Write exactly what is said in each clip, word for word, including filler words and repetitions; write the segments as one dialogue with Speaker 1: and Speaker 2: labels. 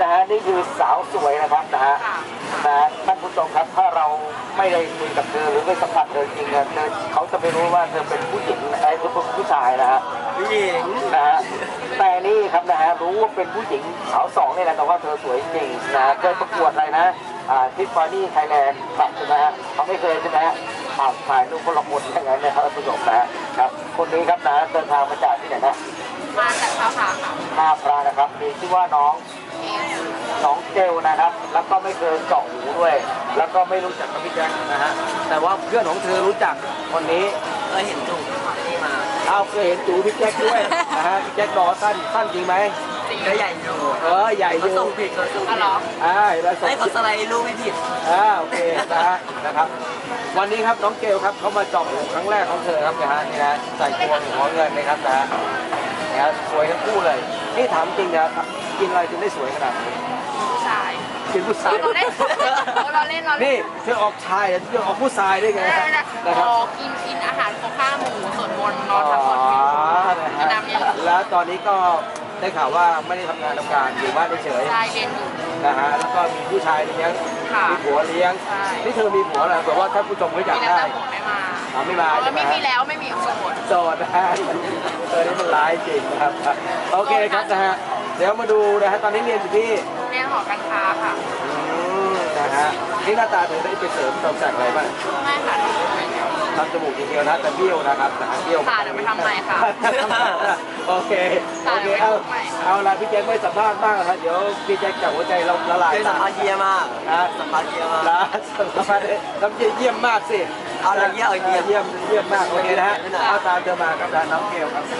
Speaker 1: นะฮะนี่คือสาวสวยนะครับนะฮะนะท่านผู้ชมครับถ้าเราไม่ได้คุยกับเธอหรือไม่สัมผัสเธอจริงๆเธอเขาจะไม่รู้ว่าเธอเป็นผู้หญิงไอ้หรือเป็นผู้ชายนะฮะ
Speaker 2: ผู้หญิง
Speaker 1: นะฮะแต่นี่ครับนะฮะรู้ว่าเป็นผู้หญิงสาวสองนี่แหละแต่ว่าเธอสวยจริงนะเคยประกวดอะไรนะอ่าทิฟฟานี่ไทยแลนด์ครับใช่ไหมฮะเขาไม่เคยใช่ไหมฮะถ่ายถ่ายรูปคนละคนอย่างนั้นนะครับท่านผู้ชมนะครับคนนี้ครับนะเดินทางมาจากที่ไหนนะ
Speaker 3: มาจากท่าพระค่ะ
Speaker 1: ท่าพระนะครับมีชื่อว่าน้องน้องเจลนะครับ แล้วก็ไม่เคยเจาะหูด้วย แล้วก็ไม่รู้จักกับพี่แจ็คนะฮะแต่ว่าเพื่อนของเธอรู้จักคนนี้
Speaker 2: เคยเห็นจูบนี่มา
Speaker 1: เอาเคยเห็นจูพี่แจ็คด้วยนะฮะพี่แจ็คดอสั้นสั้นจริงไหม
Speaker 2: ก็ใหญ่อยู่
Speaker 1: เออใหญ่อยู่
Speaker 2: เขาส่งผิดเขาส่งผิด
Speaker 1: อ่าแล้วส่ง
Speaker 2: ให้เขาสไลด์รูปไม่ผิด
Speaker 1: อ่าโอเคนะฮะนะครับวันนี้ครับน้องเกลครับเขามาเจาะหูครั้งแรกของเธอครับนะฮะนี่นะใส่พวงหัวเงินนะครับนะฮะเนี่ยสวยทั้งคู่เลยนี่ถามจริงนะกินอะไรถึงได้สวยขนาดนี้
Speaker 3: ผู้ชาย
Speaker 1: กินผู้ชาย
Speaker 3: เราเล่นเราเล่นเราเล่น
Speaker 1: นี่เธอออกชายเธอออกผู้ชายได้ไง
Speaker 3: นะครับกินกินอาหารของข้าวหมูส่วนบนนอนพักผ่อนกินน้ำเยอะ
Speaker 1: แล้วตอนนี้ก็ได้ข่าวว่าไม่ได้ทำงานทำการอยู่บ้านเฉย
Speaker 3: ใช่เรียนอยู่
Speaker 1: นะฮะแล้วก็มีผู้ชายเลี้ยงมีผัวเลี้ยงนี่เธอมีผัวเหรอแต่ว่าถ้าผู้ชมไม่อยากได้
Speaker 3: ไม่มา
Speaker 1: ไม่มา
Speaker 3: แล้วไม่มีแล้วไม่มีโสด
Speaker 1: โสดนะฮะเออนี่มันร้ายจริงนะครับโอเคครับนะฮะเดี๋ยวมาดูนะฮะตอนนี้เรียนอยู่ที่
Speaker 3: เรียนหอการค้าค่ะ
Speaker 1: นะฮะนี่หน้าตาเธอได้ไปเสริมเติมแต่งอะไรบ้าง
Speaker 3: ไม่ค่ะ
Speaker 1: ทำจมูกทีเดียวนะแต่เบี้ยวนะครับนะฮะเบี้ยว
Speaker 3: ค่ะเดี๋ยวไปทำใหม่ค่ะ
Speaker 1: โอเคโอเคเอาเอาละพี่แจ็คไม่สัมภาษณ์บ้างนะเดี๋ยวพี่แจ็คจากหัวใจเราละลาย
Speaker 2: สัมภาษณ์เยี่ยมมาก
Speaker 1: นะ
Speaker 2: สัมภาษณ์เยี่ยมมาก
Speaker 1: นะสัมภาษณ์น้ำเยี่ยมมากสิ
Speaker 2: เอาละเยี่ยมเยี่ยม
Speaker 1: เยี่ยมเยี่ยมมากโอเคนะฮะเอาตามเธอมากับน้องเกลครับ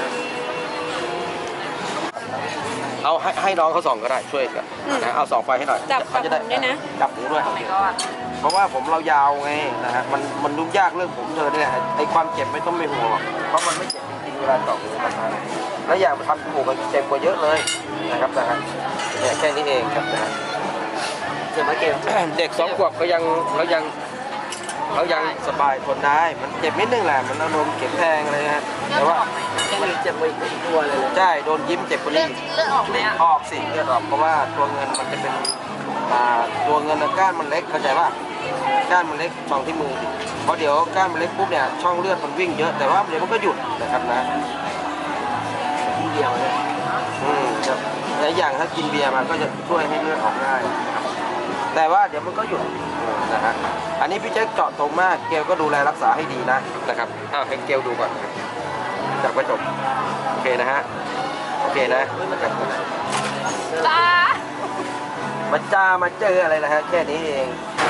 Speaker 1: เอาให้ให้น้องเขาส่องก็ได้ช่วยกันนะเอาส่องไฟให้หน่อย
Speaker 3: จับจับผมด้วยนะ
Speaker 1: จับหูด้วยเพราะว่าผมเรายาวไงนะฮะมันมันยุ่งยากเรื่องผมเธอเนี่ยไอ้ความเจ็บไม่ต้องไม่ห่วงเพราะมันไม่เจ็บจริงๆเวลาเจาะหูมันนะแล้วอย่างทำจมูกมันเจ็บกว่าเยอะเลยนะครับนะฮะเนี่ยแค่นี้เองครับนะฮะ
Speaker 2: เจ็บไหมเกล
Speaker 1: เด็กสองขวบเขายังเขายังเขายังสบายทนได้มันเจ็บนิดนึงแหละมันอารมณ์เข็มแทงอะไรนะแต่ว่า
Speaker 2: มันเจ็บไปอีกตัวเลย
Speaker 1: ใช่โดนยิ้มเจ็บกว่านี้
Speaker 3: เลือดออกไหมอ่ะ
Speaker 1: ออกสิเลือดออกเพราะว่าตัวเงินมันจะเป็นตัวเงินก้านมันเล็กเข้าใจป่ะก้านมันเล็กช่องที่มือเพราะเดี๋ยวก้านมันเล็กปุ๊บเนี่ยช่องเลือดมันวิ่งเยอะแต่ว่าเดี๋ยวมันก็หยุดนะครับนะ
Speaker 2: กินเบียร์เลย
Speaker 1: อืมครับและอย่างถ้ากินเบียร์มันก็จะช่วยให้เลือดออกง่ายแต่ว่าเดี๋ยวมันก็หยุดนะฮะอันนี้พี่แจ็คเจาะตรงมากเกลก็ดูแลรักษาให้ดีนะนะครับอ้าวให้เกลดูก่อนจากประจบโอเคนะฮะโอเคนะ
Speaker 3: จ้า
Speaker 1: มาจ้ามาเจออะไรนะฮะแค่นี้เอง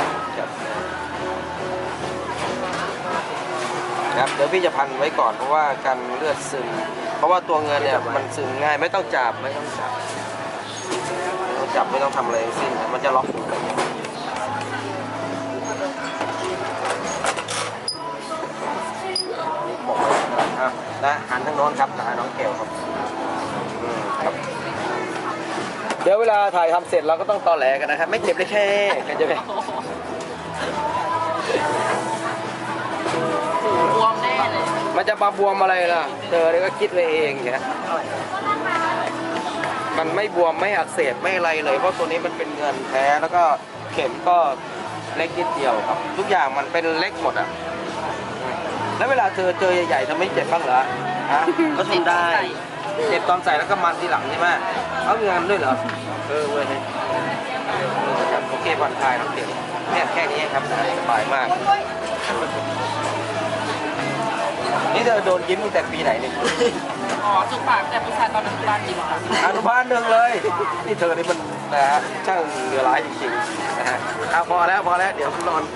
Speaker 1: ครับเดี๋ยวพี่จะพันไว้ก่อนเพราะว่ากันเลือดซึมเพราะว่าตัวเงินเนี่ยมันซึมง่ายไม่ต้องจับไม่ต้องจับไม่ต้องจับไม่ต้องทำอะไรทั้งสิ้นมันจะล็อกนะหันทางโน้นครับนะน้องเกลครับครับเดี๋ยวเวลาถ่ายทำเสร็จเราก็ต้องตอแหลกันนะครับไม่เจ็บได้แค่กันจะไป
Speaker 3: บวมแน่เลย
Speaker 1: มันจะมาบวมอะไรล่ะเธอก็คิดไปเองแค่มันไม่บวมไม่อักเสบไม่อะไรเลยเพราะตัวนี้มันเป็นเงินแท้แล้วก็เข็มก็เล็กนิดเดียวครับทุกอย่างมันเป็นเล็กหมดอ่ะแล้วเวลาเธอเจอใหญ่ๆเธอไม่เจ็บบ้างเหรอฮะ
Speaker 2: ก็ทนได้
Speaker 1: เจ็บตอนใส่แล้วก็มันทีหลังใช่ไหมเขามีงานด้วยเหรอเออเว้ยโอเคผ่อนคลายน้องเด็กเนี่ยแค่นี้ครับสบายมากนี่เธอโดนยิ้มตั้งแต่ปีไหนเนี่ย
Speaker 3: อ๋อจุกปากแต่ผู้ชายตอนอนุบาลจริงค่ะ
Speaker 1: อนุบาลหนึ่งเลยนี่เธอนี่มันนะฮะช่างเหลือร้ายจริงๆนะฮะเอาพอแล้วพอแล้วเดี๋ยวนอน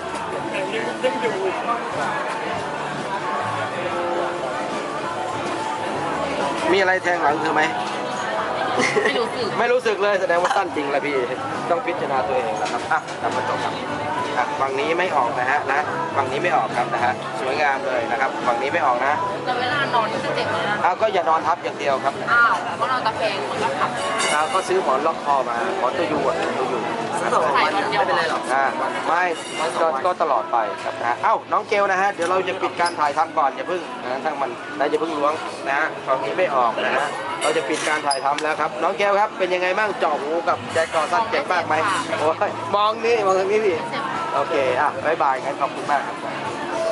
Speaker 1: มีอะไรแทงหลังเธอไหม
Speaker 3: ไม่รู้สึก
Speaker 1: ไม่รู้สึกเลยแสดงว่าสั้นจริงละพี่ต้องพิจารณาตัวเองนะครับอ่ะทำมาจบครับฝั่งนี้ไม่ออกนะฮะนะฝั่งนี้ไม่ออกครับนะฮะสวยงามเลยนะครับฝั่งนี้ไม่ออกนะ
Speaker 3: แล้วเวลานอนก็จะเจ็บเลยนะ
Speaker 1: อ้าวก็อย่านอนทับอย่างเดียวครับ
Speaker 3: อ้าวเพราะเราตะแคงมันก็ขับ
Speaker 1: อ่าก็ซื้อหมอนล็อกคอมาหมอนตัวยูอ่ะตัวยู
Speaker 2: สักสองวันเนี่ยไม่เป็นไรหรอก
Speaker 1: อ่าไม่ก็ก็ตลอดไปครับนะเอ้าน้องเกลนะฮะเดี๋ยวเราจะปิดการถ่ายทำก่อนอย่าเพิ่งนะทั้งมันนะอย่าเพิ่งล้วงนะฮะของนี้ไม่ออกนะฮะเราจะปิดการถ่ายทำแล้วครับน้องเกลครับเป็นยังไงบ้างเจาะหูกับแจ็คกอสั้นเจ็บมากไหมโอ้ยมองนี่มองทางนี้ดิโอเคอ่ะบ๊ายบายงั้นขอบคุณมากครับ